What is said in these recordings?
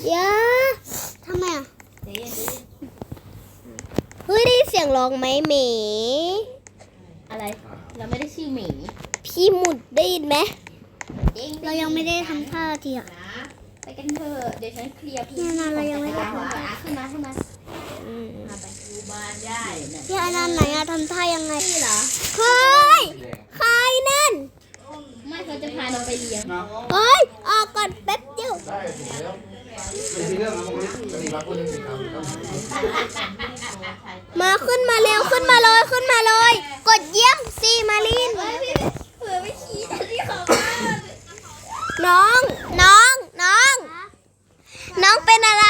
อย่าทำไมอ่ะเฮ้ยได้เสียงร้องไหมหมีอะไรเราไม่ได้ชื่อหมีพี่หมุดได้ยินไหมเรายังไม่ได้ทำท่าทีอ่ะไปกันเถอะเดี๋ยวฉันเคลียร์พี่เนี่ยนะเรายังไม่ได้ขึ้นมามาไปดูบ้านได้พี่อนันต์ไหนอะทำท่ายังไงนี่เหรอเฮ้ยใครนั่นไม่เขาจะพาเราไปเลี้ยงเฮ้ยออกก่อนแป๊บเดียวได้ถูกแล้วเป็นเรื่องนะพวกนี้จะมีรักคนนึงสิครับมาขึ้นมาเร็วขึ้นมาเลยขึ้นมาเลย กดเยี่ยมสิมาลินเผื่อไม่ขี้แต่ที่ของบ้านน้องเป็นอะไร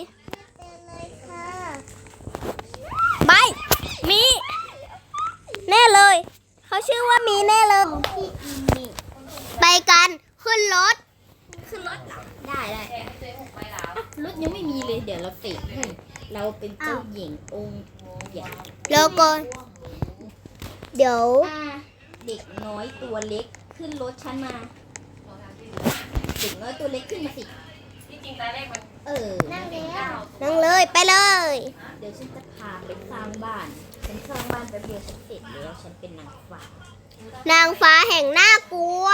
ไปมีแน่เลยเขาชื่อว่ามีแน่เลยไปกันขึ้นรถได้รถยังไม่มีเลยเดี๋ยวเราเตะให้เราเป็นเจ้าหญิงองค์ใหญ่แล้วก็เดี๋ยวเด็กน้อยตัวเล็กขึ้นรถฉันมาเด็กน้อยตัวเล็กขึ้นมาสิที่จริงตอนแรกมันนั่งเลยไปเลยเดี๋ยวฉันจะพาไปสร้างบ้านฉันสร้างบ้านแป๊บเดียวฉันเสร็จแล้วฉันเป็นนางฟ้านางฟ้าแห่งน่ากลัว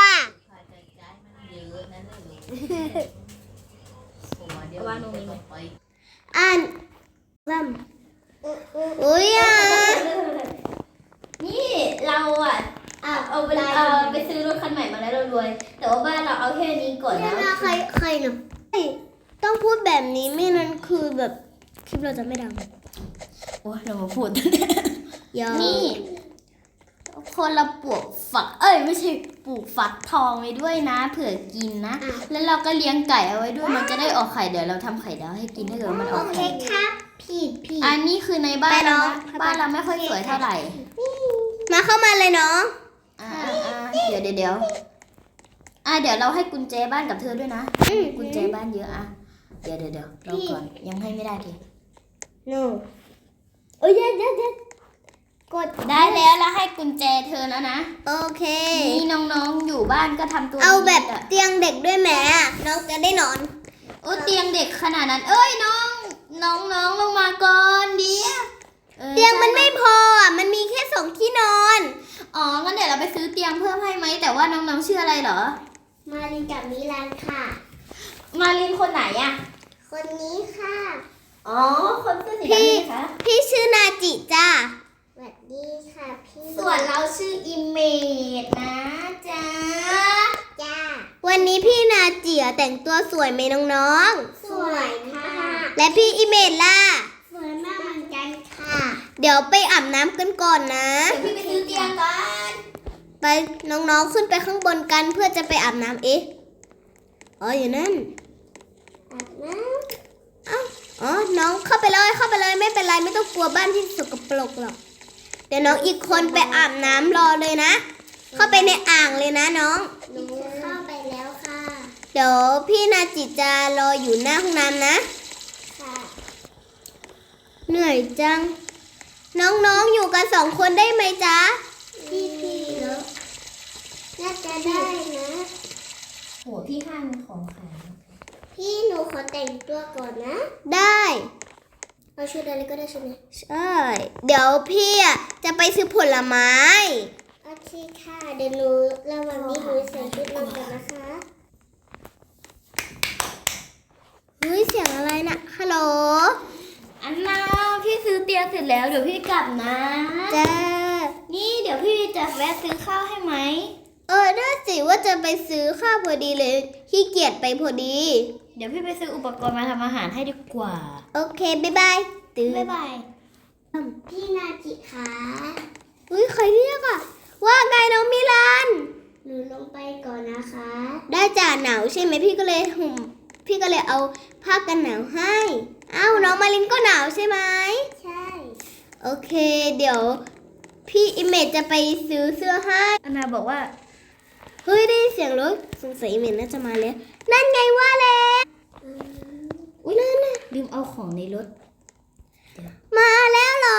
ว่าโนมีไหมอ่านซ้ำอุ้ยอ่ะนี่เราเอาไปซื้อรถคันใหม่มาแล้วเรารวยแต่ว่าบ้านเราเอาแค่นี้ก่อนนะใครเนาะต้องพูดแบบนี้ไม่นั้นคือแบบคลิปเราจะไม่ดังโอ้ยเรามาพูดยอมนี่คนเราปลูกฝักไม่ใช่ปลูกฝักทองไว้ด้วยนะเผื่อกินนะแล้วเราก็เลี้ยงไก่เอาไว้ด้วยมันจะได้ออกไข่เดี๋ยวเราทำไข่ดาวให้กินถ้าเกิดมันออกไข่ครับผิดอันนี้คือในบ้านเรานะบ้านเราไม่ค่อยสวยเท่าไหร่มาเข้ามาเลยเนาะเดี๋ยวเดี๋ยวเราให้กุญแจบ้านกับเธอด้วยนะกุญแจบ้านเยอะเดี๋ยวเราก่อนยังให้ไม่ได้ทีโน่โอ้ยเดี๋ยวกดได้แล้วให้กุญแจเธอแล้วนะโอเคนี่น้องๆอยู่บ้านก็ทำตัวเอาแบบดีๆเตียงเด็กด้วยแหมน้องจะได้นอนโอ้เตียงเด็กขนาดนั้นน้องลงมาก่อนเดี๋ยวเตียงมันไม่พออ่ะมันมีแค่2ที่นอนอ๋องั้นเดี๋ยวเราไปซื้อเตียงเพิ่มให้ไหมแต่ว่าน้องๆชื่ออะไรเหรอมาลินกับมิลันค่ะมารินคนไหนอะคนนี้ค่ะอ๋อคนเสื้อสีดำนี่คะพี่ชื่อนาจิจ้าสวัสดีค่ะพี่ส่วนเราชื่ออิมเมจนะจ๊ะจ้าวันนี้พี่นาจิแต่งตัวสวยไหมน้องๆสวยค่ะและพี่อิเมจล่ะสวยมากเหมือนกันค่ะเดี๋ยวไปอาบน้ำกันก่อนนะเดี๋ยวพี่ไปซื้อเตียงก่อนไปน้องๆขึ้นไปข้างบนกันเพื่อจะไปอาบน้ำอยู่นั่นอาบน้อ๋อน้องเข้าไปเลยไม่เป็นไรไม่ต้องกลัวบ้านที่สกปรกหรอกเดี๋ยวน้องอีกคนไปอาบน้ำรอเลยนะ เข้าไปในอ่างเลยนะน้องำหนูเข้าไปแล้วค่ะเดี๋ยวพี่นาจิจะรออยู่หน้าห้องน้ำนะค่ะเหนื่อยจัง น้องๆอยู่กัน2 คนได้ไหมจ๊ะพี่เนาะน่าจะได้นะโหพี่ห้างของขายพี่หนูขอแต่งตัวก่อนนะได้เอาชุดอะไรก็ได้ใช่ไหมใช่ เดี๋ยวพี่จะไปซื้อผลไม้โอเคค่ะเดี๋ยวหนูระหว่างนี้หนูใส่ชุดนอนก่อนนะคะเฮ้ยเสียงอะไรนะฮัลโหลอันน่าพี่ซื้อเตียงเสร็จแล้วเดี๋ยวพี่กลับนะจ้านี่เดี๋ยวพี่จะแวะซื้อข้าวให้ไหมน่าสิว่าจะไปซื้อข้าวพอดีเลยขี้เกียจไปพอดีเดี๋ยวพี่ไปซื้ออุปกรณ์มาทำอาหารให้ดีกว่าโอเคบ๊ายบายตื่นบ๊ายบายพี่นาจิคะเฮ้ยใครเรียกอ่ะว่าไงน้องมิลันหนูลงไปก่อนนะคะได้จ่าหนาวใช่ไหมพี่ก็เลยเอาผ้ากันหนาวให้อ้าวน้องมาลินก็หนาวใช่ไหมใช่โอเค เดี๋ยวพี่อิเมจจะไปซื้อเสื้อให้อันนาบอกว่าเฮ้ยได้ยินเสียงรถสงสัยอิเมจน่าจะมาแล้วนั่นไงว่าแล้วอุ้ยนั่นน่ะลืมเอาของในรถมาแล้วเหรอ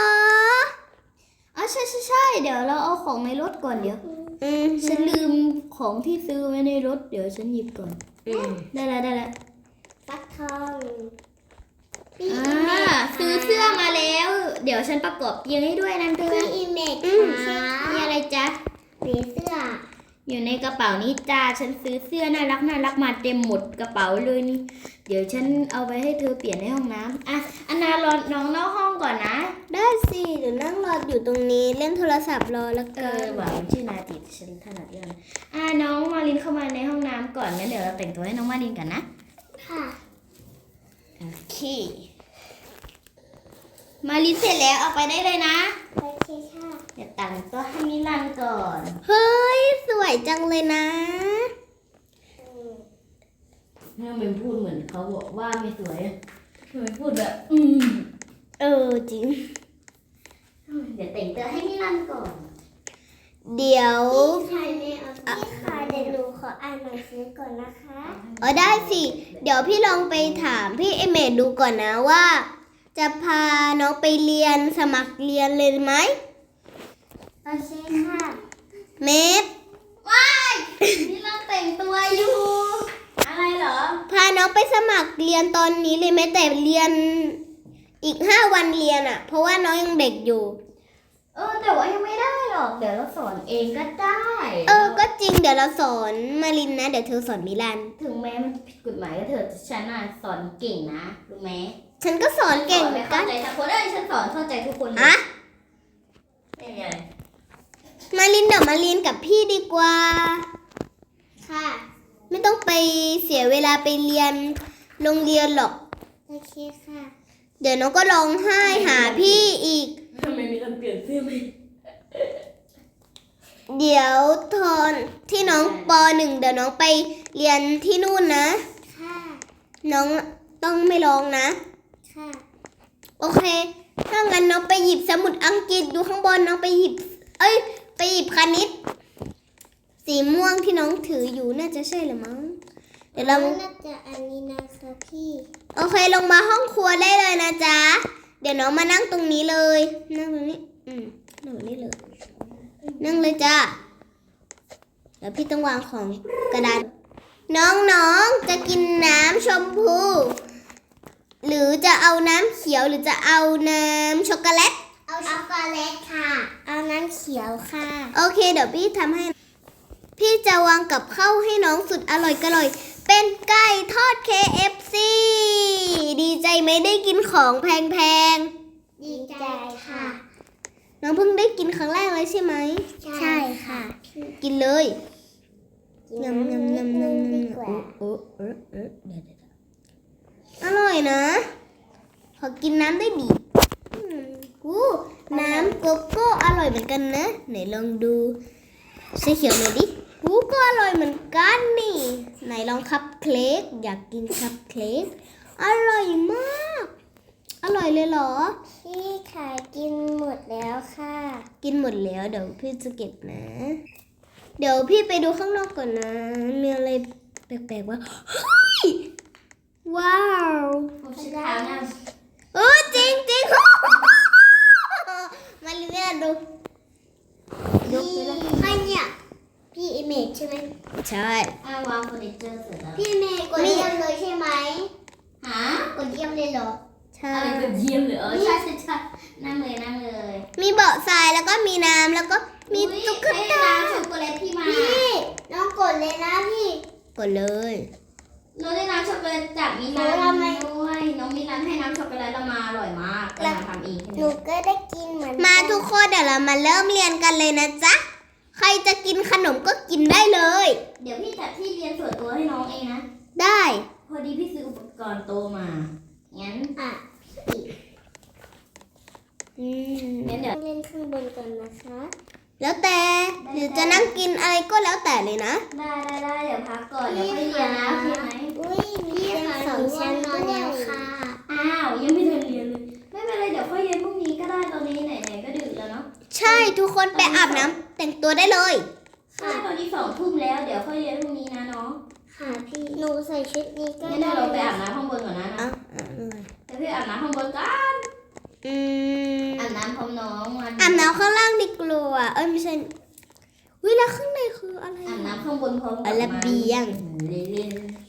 ใช่เดี๋ยวเราเอาของในรถก่อนเดี๋ยวฉันลืมของที่ซื้อไว้ในรถเดี๋ยวฉันหยิบก่อนได้แล้วฟักทองพี่อ่อีเมาจซื้อเสื้อมาแล้ว เดี๋ยวฉันประกอบเตียงให้ด้วยนะเธอพี่อีเมจค่ะมีอะไรจ๊ะมีเสื้ออยู่ในกระเป๋านี้จ้า ฉันซื้อเสื้อน่ารักมาเต็มหมดกระเป๋าเลยนี่ เดี๋ยวฉันเอาไปให้เธอเปลี่ยนในห้องน้ำอ่ะอันนารอน้องนอกห้องก่อนนะได้สิเดี๋ยวนั่งรออยู่ตรงนี้เล่นโทรศัพท์รอแล้วกันหวังชื่อนาติฉันถนัดเรื่องน้องมารินเข้ามาในห้องน้ำก่อนงั้นเดี๋ยวเราแต่งตัวให้น้องมารินกันนะค่ะโอเค มารินเสร็จแล้วเอาไปได้เลยนะโอเคค่ะเดี๋ยวแต่งตัวให้มิลันก่อนเฮ้ยสวยจังเลยนะทำไมพูดเหมือนเขาบอกว่าไม่สวยทำไมพูดแบบจริงเดี๋ยวแต่งตัวให้มิลันก่อนเดี๋ยวพี่ค่ะไม่เอาพี่ค่ะเดี๋ยวหนูขออ่านหนังสือก่อนนะคะได้สิ เดี๋ยวพี่ลองไปถามพี่เอเมดดูก่อนนะว่า จะพาน้องไปเรียนสมัครเรียนเลยไหมโอเคค่ะเมดมิลันแต่งตัวอยู่ อะไรเหรอพาน้องไปสมัครเรียนตอนนี้เลยไหมแต่เรียนอีก5 วันเรียนอ่ะ เพราะว่าน้องยังเด็กอยู่แต่ว่ายังไม่ได้หรอก เดี๋ยวเราสอนเองก็ได้ก็จริงเดี๋ยวเราสอนมารินนะ เดี๋ยวเธอสอนมิลันถึงแม้มันผิดกฎหมายก็เถอะแต่ฉันน่ะสอนเก่งนะรู้ไหมฉันก็สอนเก่งสอนเหมืไม่อนกัเข้าน ใจทุกคนฉันสอนเข้าใจทุกคนเลยอะไม่มีอะไรมารินเดี๋ยวมาเรียนกับพี่ดีกว่าค่ะไม่ต้องไปเสียเวลาไปเรียนโรงเรียนหรอกโอเคค่ะเดี๋ยวน้องก็ร้องไห้หาพี่อีกทำไมมีการเปลี่ยนเสื้อไหมเดี๋ยวตอนที่น้องป .1 เดี๋ยวน้องไปเรียนที่นู่นนะค่ะน้องต้องไม่ร้องนะค่ะโอเค ถ้างั้นน้องไปหยิบสมุดอังกฤษดูข้างบนน้องไปหยิบ ไปหยิบคณิต สีม่วงที่น้องถืออยู่น่าจะใช่หรือมั้ง เดี๋ยวเราน่าจะอันนี้นะคะพี่โอเคลงมาห้องครัวได้เลยนะจ๊ะ เดี๋ยวน้องมานั่งตรงนี้เลย นั่งตรงนี้ นั่งตรงนี้เลย นั่งเลยจ้าเดี๋ยวพี่ต้องวางของกระดาษ น้องๆ จะกินน้ำชมพู หรือจะเอาน้ำเขียวหรือจะเอาน้ำช็อกโกแลตเอาช็อกโกแลตค่ะ เอาน้ำเขียวค่ะโอเค เดี๋ยวพี่ทำให้ พี่จะวางกับข้าวให้น้องสุดอร่อยเป็นไก่ทอด KFC ดีใจไหมได้กินของแพงดีใจค่ะๆ น้องเพิ่งได้กินครั้งแรกเลยใช่ไหมใช่ค่ะกินเลยยำยำยำยำดีกว่าอร่อยนะ ขอกินน้ำได้ดิน้ำโกโก้อร่อยเหมือนกันนะ ไหนลองดูสีเขียวหน่อยดิก็อร่อยเหมือนกันนี่ ไหนลองคัพเค้กอยากกินคัพเค้กอร่อยมาก อร่อยเลยเหรอพี่ค่ะกินหมดแล้วค่ะกินหมดแล้วเดี๋ยวพี่จะเก็บนะ เดี๋ยวพี่ไปดูข้างนอกก่อนนะ มีอะไรแปลกๆว่าเฮ้ยว้าวผมชิดเท้านะจริงจริง มาลิเนียดูยกไปเลยใครเนี่ย พี่อิเมจใช่ไหมใช่วางเฟอร์นิเจอร์เสร็จแล้วพี่อิเมจกดเยี่ยมเลยใช่ไหมหากดเยี่ยมเลยเหรอใช่อะไรก็เยี่ยมเลยใช่นั่งเลยมีเบาะทรายแล้วก็มีน้ำแล้วก็มีตุ๊กตาช็อกโกแลตที่มาพี่น้องกดเลยนะพี่กดเลยเราได้น้ำช็อกโกแลตจากมิลานด้วยน้องมิลานให้น้ำช็อกโกแลตเรามาอร่อยมากเราทำเองหนูก็ได้กินเหมือนมาทุกคนเดี๋ยวเรามาเริ่มเรียนกันเลยนะจ๊ะ ใครจะกินขนมก็กินได้เลยเดี๋ยวพี่จัดที่เรียนส่วนตัวให้น้องเองนะได้พอดีพี่ซื้ออุปกรณ์โตมางั้นอ่ะงั้นเดี๋ยวเล่นข้างบนก่อนนะคะแล้วแต่หรือจะนั่งกินอะไรก็แล้วแต่เลยนะได้เดี๋ยวพักก่อนเดี๋ยวค่อยเรียนนะโอเคไหมอุ้ยมีเตียงสองชั้นนอนแล้วค่ะอ้าวยังไม่ทันเรียนเลยไม่เป็นไรเดี๋ยวค่อยเรียนพรุ่งนี้ก็ได้ตอนนี้ไหนๆก็ดึกแล้วเนาะใช่ทุกคนไปอาบน้ำแต่งตัวได้เลยใช่ตอนนี้2 ทุ่มแล้วเดี๋ยวค่อยเรียนพรุ่งนี้นะน้องค่ะพี่หนูใส่ชุดนี้ก็งั้นเดี๋ได้ยวเราไปอาบน้ำข้างบนก่อนนะอ่ะเดี๋ยวพี่อาบน้ำข้างบนกัน อาบน้ำพร้อมน้องวันอาบน้ำข้างล่างดีกว่าไม่ใช่วิแล้วข้างในคืออะไรอาบน้ำข้างบนพร้อมกับระเบียงเล่น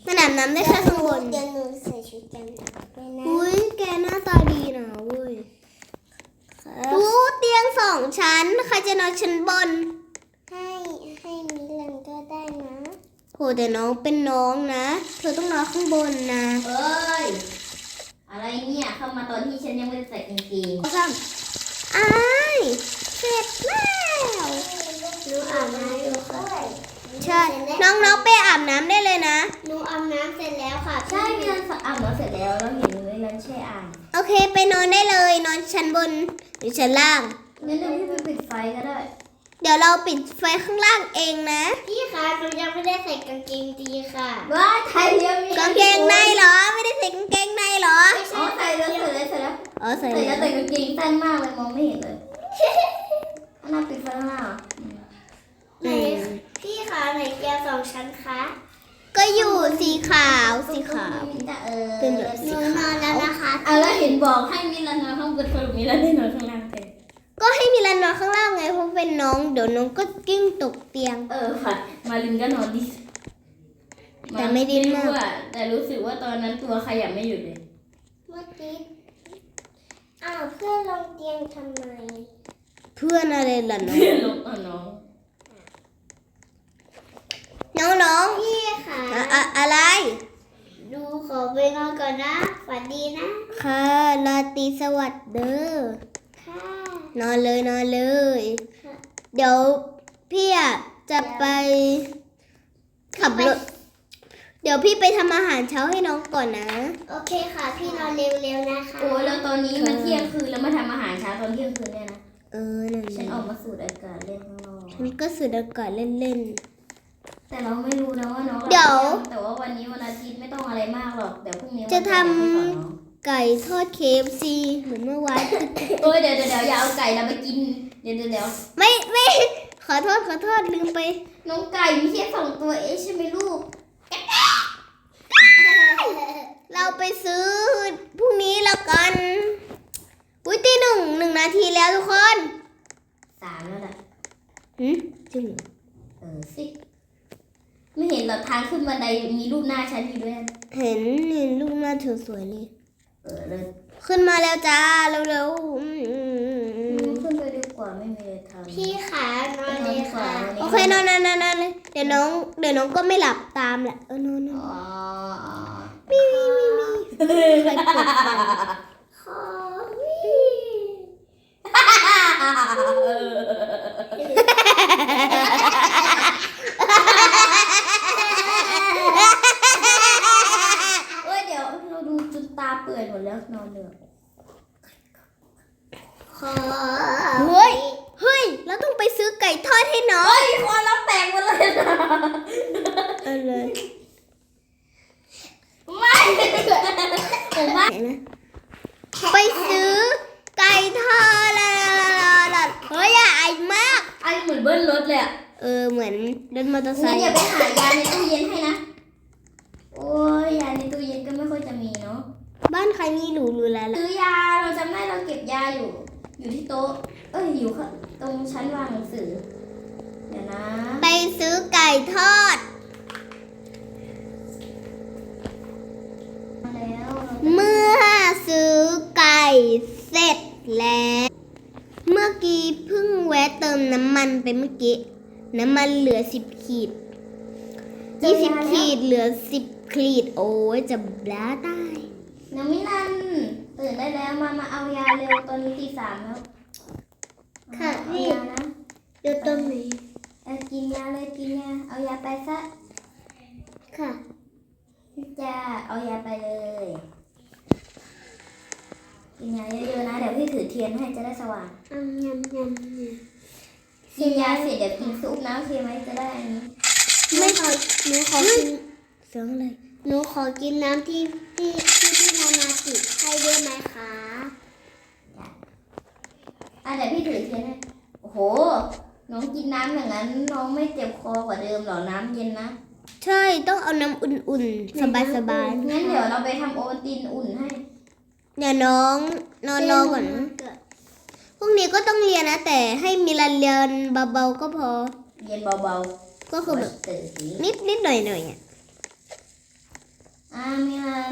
มันอาบน้ำได้แค่ข้างบนเดี๋ยวหนูใส่ชุดกันหนาวด้วยนะอุ้ยแกหน้าตาดีนะเว้ยครับดูเตียง2 ชั้นใครจะนอนชั้นบนให้มิลันก็ได้นะโหแต่น้องเป็นน้องนะ เธอต้องนอนข้างบนนะเอ้ย อะไรเนี่ยเข้ามาตอนที่ฉันยังไม่ได้ใส่กางเกงซ้ำอ้ายเสร็จแล้วหนูอาบน้ำอยู่ค่ะใช่ น้องๆไปอาบน้ำได้เลยนะหนูอาบน้ำเสร็จแล้วค่ะใช่มีรันอาบน้ำเสร็จแล้วเราเห็นมีรันแช่อ่างโอเคไปนอนได้เลย นอนชั้นบนหรือชั้นล่างงั้นเดี๋ยวพี่ไปปิดไฟก็ได้เดี๋ยวเราปิดไฟข้างล่างเองนะพี่คะหนูยังไม่ได้ใส่กางเกงจีค่ะว้าไทยเรียมกางเกงในเหรอ ไม่ได้ใส่กางเกงในเหรออ๋อใส่แล้วใส่แล้วใส่แล้วอ๋อใส่ใส่แล้แล้ว วแต่กางเกงสั้นมากเลยมองไม่เห็นเลยอันน่าปิดไฟข้างหน้าเหรอไหนพี่คะไหนเกียร์2 ชั้นคะก็อยู่สีขาวสีขาว เป็นแบบหนูนอนแล้วนะคะเอาแล้วเห็นบอกให้มิลันนอนข้างบนสรุปมิลันได้นอนข้างล่างแทนก็ให้มิลันนอนข้างล่างไงเพราะเป็นน้องเดี๋ยวน้องก็กิ้งตกเตียงค่ะมาลินก็นอนดิแต่ไม่ดิ้นมากรู้อะแต่รู้สึกว่าตอนนั้นตัวขยับไม่หยุดเลยเมื่อกี้อ้าวเพื่อนลงเตียงทำไมเพื่อนอะไรล่ะน้องเพื่อนลงอ่ะน้องน้องพี่ค่ะอะไรดูขอไปนอนก่อนนะฝันดีนะค่ะราตรีสวัสดิ์เด้อค่ะนอนเลยนอนเลยค่ะเดี๋ยวพี่อะจะไปขับรถ เดี๋ยวพี่ไปทำอาหารเช้าให้น้องก่อนนะโอเคค่ะ พี่นอนเร็วๆนะคะโอ้ยแล้วตอนนี้มันเที่ยงคืนแล้วมาทำอาหารเช้าตอนเที่ยงคืนเนี่ยนะนั่นฉันแหอละอกมาสูดอากาศเล่นข้างนอกฉันก็สูดอากาศเล่นแต่เราไม่รู้นะว่าน้องเดี๋ยวแต่ว่าวันนี้วันอาทิตย์ไม่ต้องอะไรมากหรอกเดี๋ยวพรุ่งนี้จะทำวันจันทร์เดี๋ยวค่อยสอนน้องๆ ไก่ทอด KFC เหมือนเมื่อวานโอ้ยเดี๋ยวอย่าเอาไก่เราไปกินเดี๋ยวไม่ ขอโทษลืมไปน้องไก่มีแค่2 ตัวเองใช่ไหมลูกเราไปซื้อพรุ่งนี้แล้วกันอุ้ยตีหนึ่งนาทีแล้วทุกคน 3แล้วนะจริงเหรอสิ ไม่เห็นหรอกทางขึ้นบันไดมีรูปหน้าฉันอยู่ด้วยเห็นลูกหน้าเธอสวยนี่เลยขึ้นมาแล้วจ้าเร็วขึ้นไปดีกว่าไม่มีอะไรทำพี่ขานอนเลยค่ะๆโอเคนอนเลยเดี๋ยวน้องก็ไม่หลับตามแหละนอนอ๋อมีใครปวดฟันขอวิ่งเอ้ยเดี๋ยวเราดูจนตาเปื่อยหมดแล้วนอนเลยขอเฮ้ยเราต้องไปซื้อไก่ทอดให้น้องเฮ้ยคอเราแตกหมดเลยนะเลยไม่ผมว่าไปซื้อไก่ทอดละเฮ้ยอย่าไอมากไอเหมือนเบิ้ลรถเลยอ่ะเหมือนรถมอเตอร์ไซงั้นค์อย่าไปหายาในตู้เย็นให้นะ โอ้ยยาในตู้เย็นก็ไม่ค่อยจะมีเนาะบ้านใครมีหรูแล้วล่ะซื้อยาเราจำได้เราเก็บยาอยู่ที่โต๊ะ อยู่ตรงชั้นวางหนังสือ เดี๋ยวนะไปซื้อไก่ทอดมาแล้วเมื่อซื้อไก่เสร็จแล้ว เมื่อกี้เพิ่งแวะเติมน้ำมันไปเมื่อกี้ น้ำมันเหลือ10 ขีด 20 ขีดเหลือ10 ขีด โอ้ยจะบ้าตายน้องมิลันตื่นได้แล้วมาเอายาเร็วตอนนี้ตี 3แล้วค่ะเอาพี่ยานะอยู่ตรงไหนกินยาเลยกินยาเอายาไปซะค่ะจ้าเอายาไปเลย กินยาเยอะๆนะเดี๋ยวพี่ถือเทียนให้จะได้สว่างยำกินยาเสร็จเดี๋ยวกินซุปนะโอเคไหมจะได้อันนี้ไม่ขอหนูขอกินเสียงอะไรหนูขอกินน้ำที่พี่นานาจิให้ด้วยไหมคะเดี๋ยวพี่ถือเทียนให้โอ้โห น้องกินน้ำอย่างนั้นน้องไม่เจ็บคอกว่าเดิมหรอน้ำเย็นนะใช่ต้องเอาน้ำอุ่นๆ สบายงั้นเดี๋ยวเราไปทำโอวัลตินอุ่นให้ๆเดี๋ยวน้องนอนก่อนนะพรุ่งนี้ก็ต้องเรียนนะ แต่ให้มีเรียนเบาๆก็พอเย็นเบาก็ๆคือแบบตื่นสีนิดหน่อยอ่ะ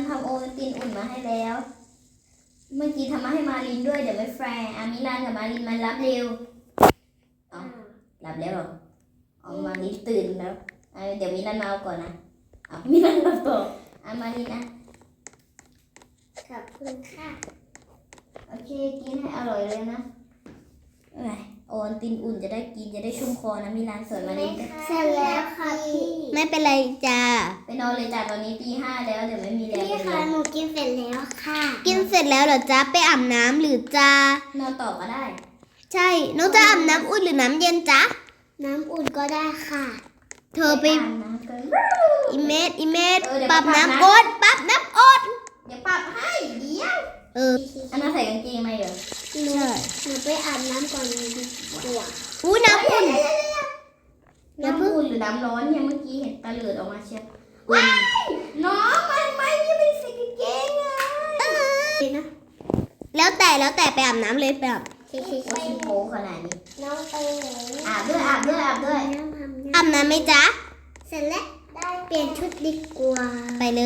ทำโอวัลตินอุ่นมาให้แล้ว เมื่อกี้ทำมาให้มาลินด้วยเดี๋ยวไม่แฟร์มิลานกับมาลินมารับเร็วอ๋อรับแล้วเหรออ๋อมาลินตื่นแล้วเดี๋ยวมิลานมาเอาก่อนนะมิลานมาต่อมาลินนะขอบคุณค่ะโอเคกินให้อร่อยเลยนะโอวัลตินอุ่นจะได้กินจะได้ชุ่มคอนะมิลานส่วนมาลินเสร็จแล้วค่ะพี่ไม่เป็นไรจ้าไปนอนเลยจ้ะตอนนี้ตี 5แล้วเดี๋ยวไม่มีแรงพี่ไปคะเรียนหนูกินเสร็จแล้วค่ะกินเสร็จแล้วเหรอจ๊ะไปอาบน้ำหรือจ้านอนต่อก็ได้ใช่น้องจะอาบน้ำอุ่นหรือน้ำเย็นจ๊ะน้ำอุ่นก็ได้ค่ะเธอไปอาบน้ำกันอีเมดเดี๋ยวปรับปรับน้ำนะอดปรับน้ำอดเดี๋ยวปรับให้เดี๋ยวเอออันนั้นใส่กางเกงไหมเหรอหนูใช่หนูไปอาบน้ำก่อนดีกว่าอู้น้ำอุ่นน้ำอุ่นหรือน้ำร้อนเนี่ยเมื่อกี้เห็นตาเหลือดออกมาเชียวว้ายน้องมันไม่ยังไม่ได้ใส่กางเกงอ่ะดีนะแล้วแต่ไปอาบน้ำเลยไปอาบชิชิโอ้ชิยโผขนาดนี้น้องไปไหนอาบด้วยน้ำทำอาบน้ำไหมจ๊ะเสร็จแล้วได้เปลี่ยนชุดดีกว่าไปเลย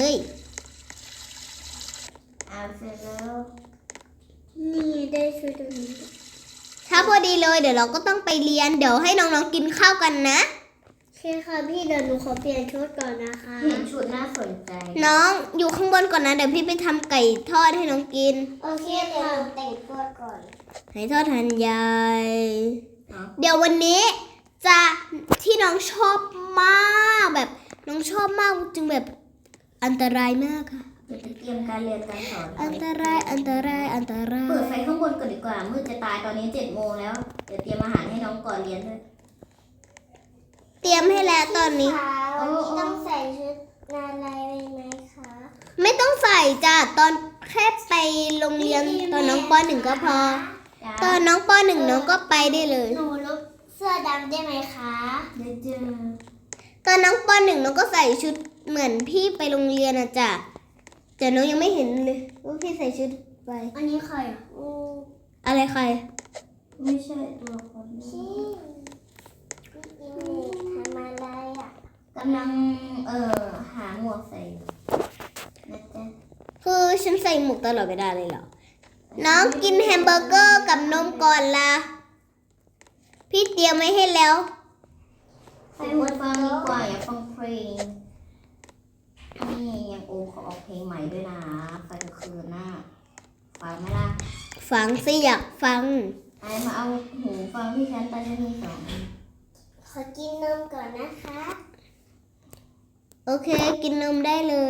อาบเสร็จแล้วนี่ได้ชุดตรงนี้ถ้าพอดีเลยเดี๋ยวเราก็ต้องไปเรียนเดี๋ยวให้น้องๆกินข้าวกันนะใช่ค่ะพี่เดี๋ยวหนูขอเปลี่ยนชุดก่อนนะคะเห็นชุดน่าสนใจน้องอยู่ข้างบนก่อนนะเดี๋ยวพี่ไปทำไก่ทอดให้น้องกินโอเคเดี๋ยวหนูแต่งตัวก่อนไก่ทอดหันใหญ่อ๋อเดี๋ยววันนี้จะที่น้องชอบมากแบบน้องชอบมากจึงแบบอันตรายมากค่ะเดี๋ยวไปเตรียมการเรียนการสอนอันตรายอันตรายอันตราเปิดไฟยข้างบนก่อนดีกว่ามืดจะตายตอนนี้7 โมงแล้วเดี๋ยวเตรียมอาหารให้น้องก่อนเรียนด้วยเตรียมให้แล้วตอนนี้ค่ะวันนี้ต้องใส่ชุดอะไรไหมคะไม่ต้องใส่จ้ะตอนแค่ไปโรงเรียนตอนน้องป .1 ก็พอจ้าตอนน้องป .1 น้องก็ไปได้เลยหนูลบเสื้อดำได้ไหมคะเดี๋ยวเจอตอนน้องป .1 น้องก็ใส่ชุดเหมือนพี่ไปโรงเรียนอะจ้ะแต่น้องยังไม่เห็นเลยว่าพี่ใส่ชุดไปอันนี้ใครอ่ะอะไรใครไม่ใช่ตัวคนนี้พี่อินทำอะไรอ่ะกำลังหาหมวกใส่อยู่นะจ๊ะคือฉันใส่หมวกตลอดเวลาเลยเหรอ น้องกินแฮมเบอร์เกอร์กับนมก่อนละพี่เตรียมไว้ให้แล้วใส่หูฟังดีกว่าอย่าฟังเพลงนี่ยังโอขอออกเพลงใหม่ด้วยนะไฟกลางคืนน่ะฟังไหมล่ะฟังสิอยากฟังไอ้มาเอาหูฟังที่ฉันตอนนี้มี2 อันขอกินนมก่อนนะคะโอเค กินนมได้เลย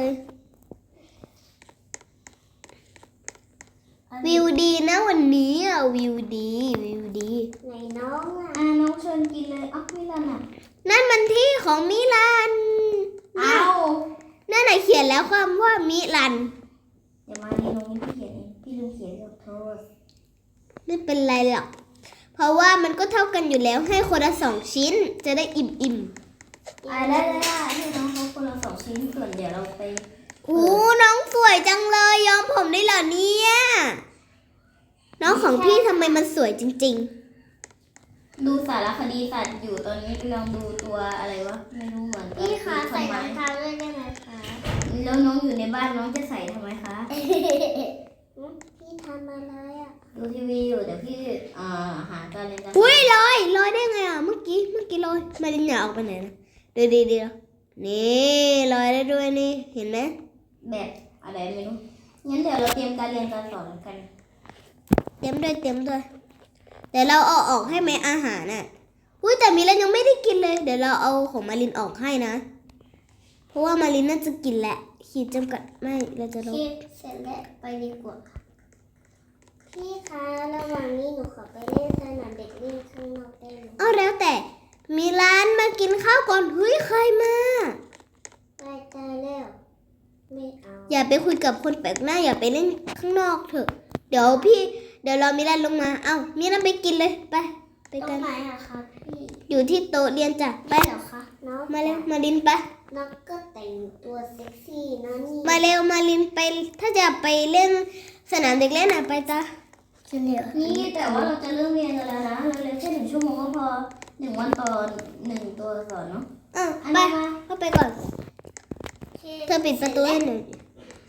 วิวดีนะวันนี้อ่ะวิวดีวิวดีไหนน้องอ่ะน้องเชิญกินเลยอ้าวไม่รันอ่ะนั่นมันที่ของมิลันเอานั่นไหนะเขียนแล้วความว่ามิลันเดี๋ยวมาในตรงนี้พี่เขียนเองพี่ลืมเขียนขอโทษไม่เป็นไรหรอก เพราะว่ามันก็เท่ากันอยู่แล้วให้คนละ2 ชิ้น จะได้อิ่มได้ให้น้องเขาคนละ2 ชิ้นส่วนเดี๋ยวเราไปๆอู้น้องสวยจังเลยย้อมผมได้เหรอเนี่ย น้องของพี่ทำไมมันสวยจริงดูสารคดีสัตว์อยู่ตอนนี้กำลังดูตัวอะไรวะไม่รู้เหมือนกันพี่คะใส่ทำไมรองเท้าด้วยได้ไหมคะแล้วน้องอยู่ในบ้านน้องจะใส่ทำไมคะพี่ทำอะไรอ่ะดูทีวีอยู่เดี๋ยวพี่หาการเรียนการๆอุ้ยลอยได้ไงอ่ะเมื่อกี้ลอยมาดินอย่าออกไปไหนนะเดี๋ยวนี่ลอยได้ด้วยนี่เห็นไหมแบบอะไรไม่รู้งั้นเดี๋ยวเราเตรียมการเรียนการสอนกันเตรียมด้วยเดี๋ยวเราเอาออกให้ไหมอาหารน่ะอุ้ยแต่มิลันยังไม่ได้กินเลย เดี๋ยวเราเอาของมารินออกให้นะ เพราะว่ามารินน่าจะกินแหละขีดจำกัดไม่เราจะลดพี่เสร็จแล้วไปดีกว่าค่ะพี่คะระหว่างนี้หนูขอไปเล่นสนามเด็กเล่นข้างนอกได้ไหมเอาแล้วแต่มิลันมากินข้าวก่อนเฮ้ยใครมาได้แล้วไม่เอาอย่าไปคุยกับคนแปลกหน้าอย่าไปเล่นข้างนอกเถอะเดี๋ยวรอมิลันลงมาเอ้ามิลันไปกินเลยไปตรกันงไหนอะคะพี่อยู่ที่โต๊ะเรียนจ้ะไปเหรอคะน้องมาเร็วมาลินไปน้องก็แต่งตัวเซ็กซี่นะนี่มาเร็วมาลินไปถ้าจะไปเล่นสนามเด็กเล่นอ่ะไปจ้ะนี่แต่ว่าเราจะเริ่มเรียนกันแล้วนะเราเรียนแค่1 ชั่วโมงก็พอ1 วันต่อ1 ตัวสอนเนาะอ่ะอันไปนี้มาเข้าไปก่อนเธอปิดประตูให้หน่อย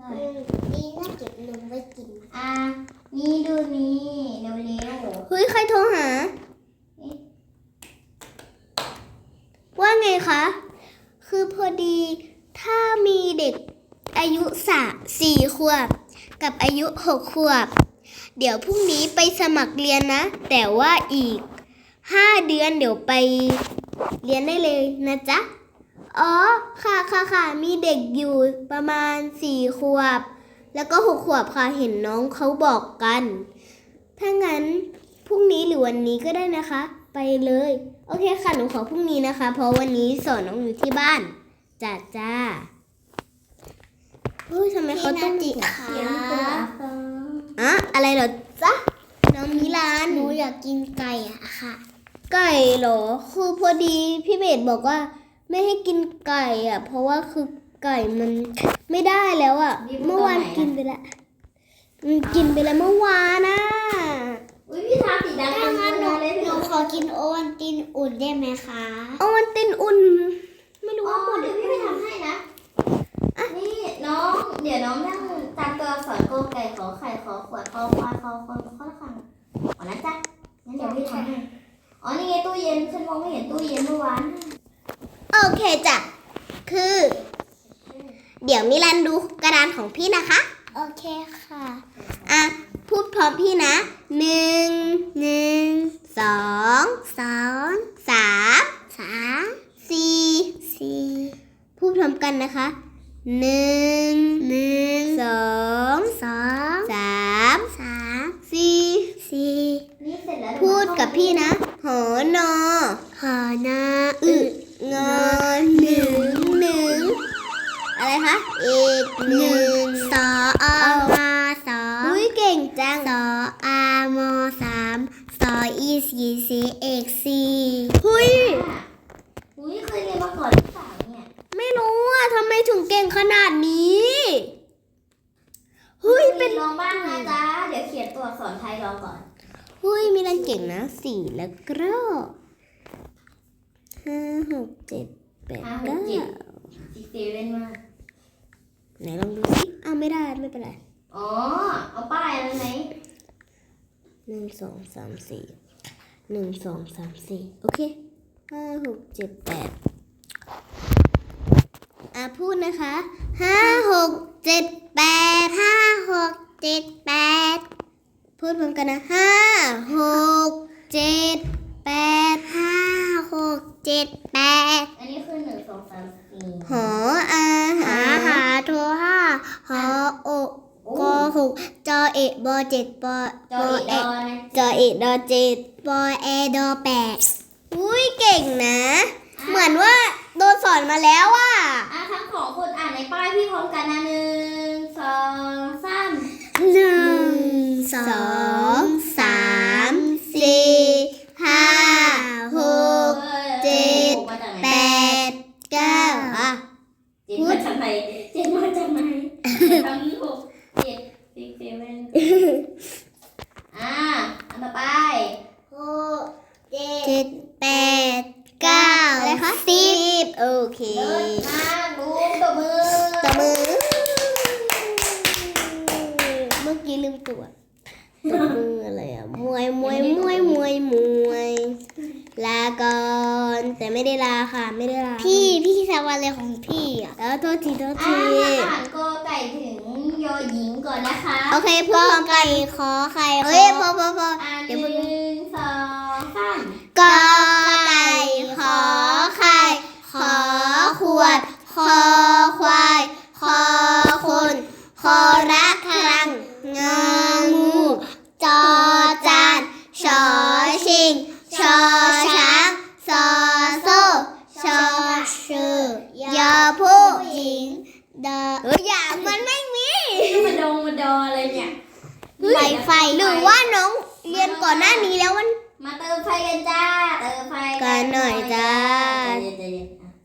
ดีน่าเก็บนมไว้กินนี่ดูนี่เร็วเฮ้ยใครโทรหา ว่าไงคะ คือพอดีถ้ามีเด็กอายุ4 ขวบกับอายุ6 ขวบ เดี๋ยวพรุ่งนี้ไปสมัครเรียนนะ แต่ว่าอีก5 เดือนเดี๋ยวไปเรียนได้เลยนะจ๊ะ อ๋อค่ะมีเด็กอยู่ประมาณ4 ขวบ แล้วก็6 ขวบค่ะเห็นน้องเขาบอกกัน ถ้างั้นพรุ่งนี้หรือวันนี้ก็ได้นะคะ ไปเลย โอเคค่ะหนูขอพรุ่งนี้นะคะ เพราะวันนี้สอนน้องอยู่ที่บ้านจ้าเฮ้ยทำไมเขาต้องพี่ๆนาจิเสียงตัวฟังอะอะไรเหรอจ๊ะน้องมิลานหนูอยากกินไก่อะค่ะไก่เหรอคือพอดีพี่เบสบอกว่าไม่ให้กินไก่อ่ะ เพราะว่าคือไก่มันไม่ได้แล้วอ่ะ เมื่อวานกินไปแล้วกินไปแล้วเมื่อวานนะอุ้ยพี่ทาสีดำถ้างั้นหนูเลยหนูขอกินโอวัลตินอุ่นได้ไหมคะเอาวันตินอุ่น ไม่รู้อ๋อว่าหมดหเดี๋รืยวอพี่เปไปล่าทำให้นะ นี่น้อง เดี๋ยวน้องนั่งตามตัวอักษรกอไก่ขอไข่ขอขวดขอควายขอคนข้อละคำอ๋อนะจ๊ะงั้นเดี๋ยวพี่ทำให้ อ๋อนี่ไงตู้เย็นฉันมองไม่เห็นตู้เย็นเมื่อวานโอเคจ้ะคือ เดี๋ยวมิลันดูกระดานของพี่นะคะโอเคค่ะอ่ะพูดพร้อมพี่นะ1 2 3 4 พูดพร้อมกันนะคะ1 2 3 4 นี่เสร็จแล้วพูดกับพี่นะหอนอหอนาอึงอหนึ่งอะไรคะอีก1 สออมาสออุ้ยเก่งจังสออามอ3สออีสีเอกสี่หุ้ยอุ้ยเคยเรียนมาก่อนหรือเปล่าเนี่ยไม่รู้อ่ะทำไมถึงเก่งขนาดนี้เฮ้ยเป็นลองบ้างนะจ๊ะ เดี๋ยวเขียนตัวอักษรไทยรอก่อนเฮ้ยมีรันเก่งนะ4แล้วก็5 6 7 8 5 6 7 9 จิ๊กเซเว่นมากไหนลองดูสิอ้าวไม่ได้ไม่เป็นไรอ๋อ เอาป้ายอะไรไหม 1 2 3 4 1 2 3 4โอเค5 6 7 8พูดนะคะ5 6 7 8 พูดพร้อมกันนะ5 6 7 8 อันนี้คือ1 2 3 4 หออาหาหาโทห้าหอโอก หกจอเอกบอ7ปอจออีดอนะจอเอกดอเจ็ดปอแอดอ8 อุ้ยเก่งนะ เหมือนว่าโดนสอนมาแล้วอ่ะทั้งสองคนอ่านในป้ายพี่พร้อมกันนะ1 2 3 1 2 3 4 5 6 7 8 9 เจ็ดมาจากไหนทำ6 7 6 7 อันต่อไป 6 7 8 9อะไรคะ10โอเคเลิศมากบูมตบมือตบมือ เมื่อกี้ลืมตัวตบมืออะไรอ่ะมวยลาก่อนแต่ไม่ได้ลาค่ะไม่ได้ลาพี่ทำอะไรของพี่อ่ะแล้วโทษทีอ่านกอไก่ถึงยอหญิงก่อนนะคะโอเคพูดพร้อมกันขอไข่เอ้ยพออ่านเดี๋ยวพูด 1 2 3 กอไก่ขอไข่ขอขวดคอควายคอคนคอรักครังงองูจอจานชอชิงชอช้างซอโซ่ชอชื่อยอผู้หญิงดออย่ามันไม่มีมาดออะไรเนี่ยไฟหรือว่าน้องเรียนก่อนหน้านี้แล้วมันมาเติมไฟกันจ้า เติมไฟกันหน่อยจ้าใจเย็น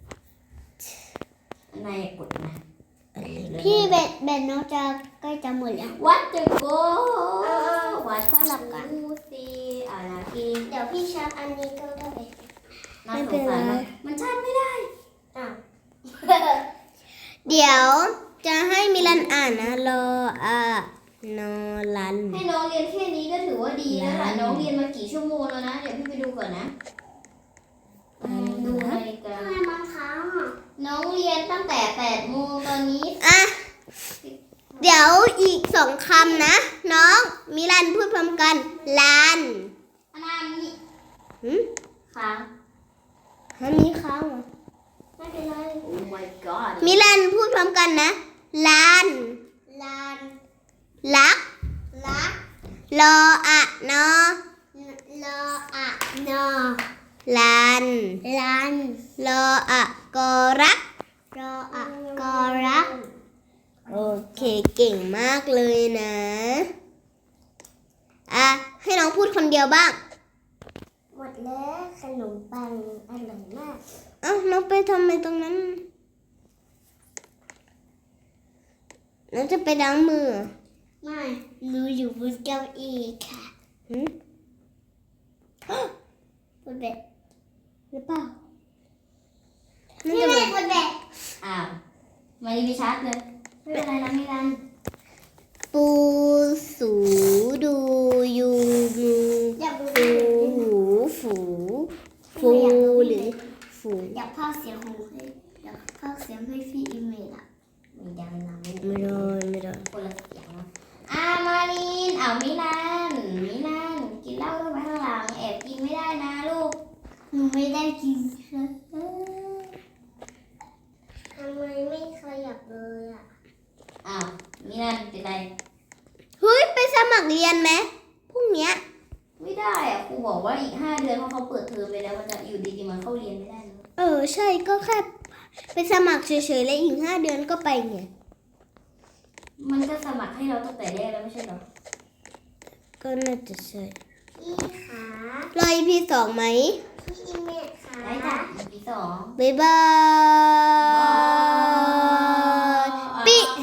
อันไหนกดนะพี่เบ็ดน้องจะใกล้จะหมดแล้ววัดจะโกวัดสลับกันดูสินาทีเดี๋ยวพี่ชาร์จอันนี้ก็ได้น่าสงสารมากมันชาร์จไม่ได้อ้าวเดี๋ยวจะให้มิลันอ่านนะรออะนอรันให้น้องเรียนแค่นี้ก็ถือว่าดีแล้วล่ะได้น้องเรียนมากี่ชั่วโมงแล้วนะ เดี๋ยวพี่ไปดูก่อนนะดูนาฬิกาทำไมบางครั้งอ่ะน้องเรียนตั้งแต่8 โมงตอนนี้อ่ะเดี๋ยวอีก2 คำนะ น้องมิลันพูดพร้อมกันลานอันนั้นนี่หืมค้างอันนี้ค้างเหรอไม่เป็นไรโอ้ my god มิลันพูดพร้อมกันนะลานลานลักลักรออะนอรออะนอลานลันรออะกอรักรออะกอรักโอเคเก่งมากเลยนะอ่ะให้น้องพูดคนเดียวบ้างหมดแล้วขนมปังอร่อยมากเอ้าน้องไปทำไมตรงนั้นน้องจะไปล้างมือเหรอไม่หนูอยู่บนเก้าอี้ค่ะหืมบนเบดหรือเปล่าพี่น่าจะไม่แบบบนเบดอ้าวมาดีพิชัดเลย ไม่เป็นไรนะมิลันปูสูดูยูงูอยากดูฟูหูฝูฟูหรือฝูอยากพากย์เสียงของพี่อยากพากย์เสียงให้พี่อีเมลอ่ะมีดังนะลูกไม่ได้คนละเสียงนะมาลินมิลันกินเหล้าต้องไปข้างหลัง แอบกินไม่ได้นะลูกหนูไม่ได้กินทำไมไม่ขยับเลยอ่ะมิลันเป็นไรเฮ้ยไปสมัครเรียนไหมพรุ่งเนี้ยไม่ได้อะครูบอกว่าอีก5 เดือนเพราะเขาเปิดเทอมไปแล้วมันจะอยู่ดีๆมันเข้าเรียนไม่ได้นะใช่ก็แค่ไปสมัครเฉยๆแล้วอีก5 เดือนก็ไปไงมันก็สมัครให้เราตั้งแต่แรกแล้วไม่ใช่เหรอก็น่าจะใช่พี่ขารอ EP 2ไหมพี่อีเมลขาได้จ้ะปี 2 บ๊ายบาย